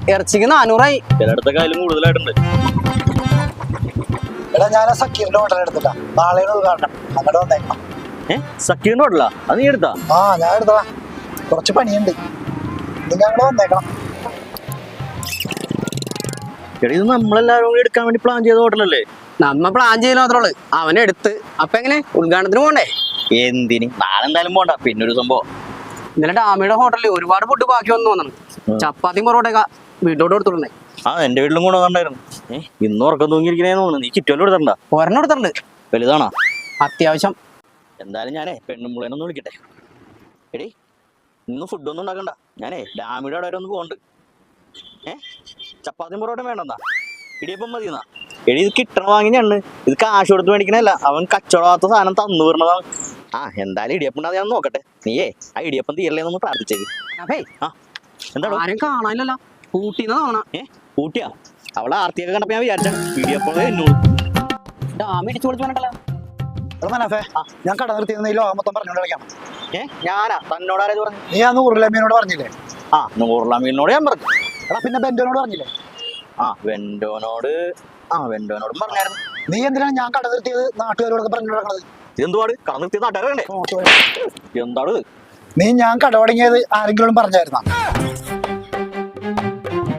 ഇറച്ചിക്ക് 400 ചിലയിടത്തൊക്കെ അതിലും കൂടുതലായിട്ടുണ്ട്. എടാ ഞാൻ സക്കീറിന്റെ ഹോട്ടൽ എടുത്തിട്ടാ, നാളെയാണ് ഉദ്ഘാടനം, അങ്ങോട്ട് വന്നേക്കണം. സക്കീറിന്റെ ഹോട്ടലാ? അത് നീ എടുത്താ? ആ ഞാൻ എടുത്തതാ, കുറച്ച് പണിയുണ്ട്, നിങ്ങൾ അങ്ങോട്ട് വന്നേക്കണം. എടാ ഇത് നമ്മളെല്ലാരും കൂടി എടുക്കാൻ വേണ്ടി പ്ലാൻ ചെയ്ത ഹോട്ടലല്ലേ? നമ്മ പ്ലാൻ ചെയ്യുന്ന മാത്രമേ ഉള്ളു, അവനെടുത്ത്. അപ്പൊ എങ്ങനെ ഉദ്ഘാടനത്തിന് പോണ്ടേ? എന്തിന്? നാളെ എന്തായാലും പോണ്ട. പിന്നെ ഒരു സംഭവം, ഇന്നലെ ഡാമിയുടെ ഹോട്ടലിൽ ഒരുപാട് ഫുഡ് ബാക്കി വന്നു തോന്നണം. ചപ്പാത്തിയും പൊറോട്ടയൊക്കെ വീട്ടോട്ട് കൊടുത്തിട്ടുണ്ടേ. ആ എന്റെ വീട്ടിലും കൂടെ വന്നിട്ടുണ്ടായിരുന്നു. ഇന്ന് ഉറക്കം തൂങ്ങിയിരിക്കണേന്ന് തോന്നുന്നു. നീ കിറ്റുവല്ലോ എടുത്തിട്ടുണ്ടാ? ഒരെണ്ണം എടുത്തിട്ടുണ്ട്. വലുതാണോ? അത്യാവശ്യം. എന്തായാലും ഞാനേ പെണ്ണുമ്പുളേനൊന്ന് വിളിക്കട്ടെ. എടി ഇന്ന് ഫുഡൊന്നും ഉണ്ടാക്കണ്ട, ഞാനേ ഡാമിയുടെ അവിടെ വരെ ഒന്ന് പോകണ്ട്. ചപ്പാത്തിയും പൊറോട്ട വേണ്ടെന്നാ? ഇടിയപ്പം മതിയെന്നാ? എടി ഇത് കിട്ടണ വാങ്ങിയാണ്, ഇത് കാശ് കൊടുത്ത് മേടിക്കണല്ല. അവൻ കച്ചവടമാകാത്ത സാധനം തന്നു വിടണതാണ്. ആ എന്തായാലും ഇടിയപ്പം ഉണ്ടാകും, ഞാൻ നോക്കട്ടെ. നീയേ ആ ഇടിയപ്പം തീരലേന്നൊന്ന് പ്രാർത്ഥിച്ചേക്ക്. ആ എന്താണോ? ആരും കാണാനില്ലല്ലോ, കൂട്ടിന്ന് തോന്നണ. കൂട്ടിയാ? അവളെ ആർത്തിയൊക്കെ കണ്ടപ്പോ ഞാൻ വിചാരിച്ച ഇടിയപ്പം എന്നോട് ഡാമി ഇടിച്ചു പൊളിച്ചു വേണ്ടല്ലോ. ഞാൻ കട നിർത്തിയിരുന്ന ഈ ലോകം മൊത്തം പറഞ്ഞോണ്ട് കളിക്കാം. ഞാനാ? തന്നോടാരത് പറഞ്ഞു? നീ ആ 100 ലമീനോട് പറഞ്ഞില്ലേ? ആ 100 ലമീനോട് ഞാൻ പറഞ്ഞു. എടാ പിന്നെ ബെന്റോനോട് പറഞ്ഞില്ലേ? വെന്റോനോടും പറഞ്ഞായിരുന്നു. നീ എന്തിനാണ് ഞാൻ കട നിർത്തിയത് നാട്ടുകാരോടൊക്കെ പറഞ്ഞു നടക്കണത്? ഇതെന്തുപാട്? കട നിർത്തിയ നാട്ടുകാരല്ലേ? എന്താണ്? നീ ഞാൻ കട തുടങ്ങിയത് ആരെങ്കിലും പറഞ്ഞായിരുന്നാ?